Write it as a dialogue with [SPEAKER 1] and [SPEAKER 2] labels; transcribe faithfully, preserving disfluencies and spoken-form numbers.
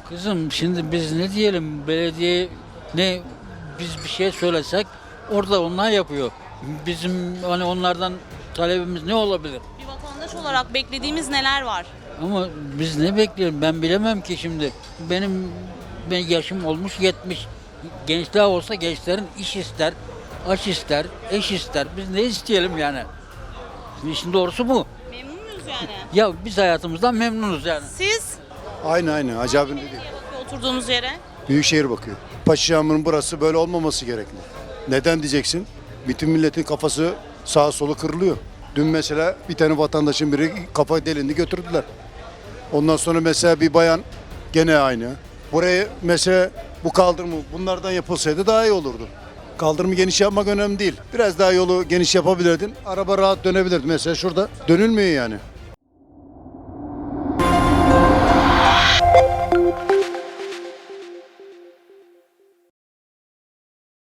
[SPEAKER 1] Kızım şimdi biz ne diyelim, belediye ne, biz bir şey söylesek orada onlar yapıyor. Bizim hani onlardan talebimiz ne olabilir?
[SPEAKER 2] Bir vatandaş olarak beklediğimiz neler var?
[SPEAKER 1] Ama biz ne bekliyorum ben bilemem ki şimdi. Benim ben yaşım olmuş yetmiş. Gençler olsa gençlerin iş ister, aş ister, eş ister. Biz ne isteyelim yani? İşin doğrusu bu.
[SPEAKER 2] Memnun muyuz yani?
[SPEAKER 1] Ya biz hayatımızdan memnunuz yani.
[SPEAKER 2] Siz
[SPEAKER 3] Aynı aynı. Acabin dedi.
[SPEAKER 2] nereye bakıyor oturduğunuz yere?
[SPEAKER 3] Büyükşehir bakıyor. Paşaşam'ın burası böyle olmaması gerekli. Neden diyeceksin? Bütün milletin kafası sağa solu kırılıyor. Dün mesela bir tane vatandaşın biri kafa delindi götürdüler. Ondan sonra mesela bir bayan gene aynı. Buraya mesela bu kaldırımı bunlardan yapılsaydı daha iyi olurdu. Kaldırımı geniş yapmak önemli değil. Biraz daha yolu geniş yapabilirdin. Araba rahat dönebilirdi. Mesela şurada dönülmüyor yani.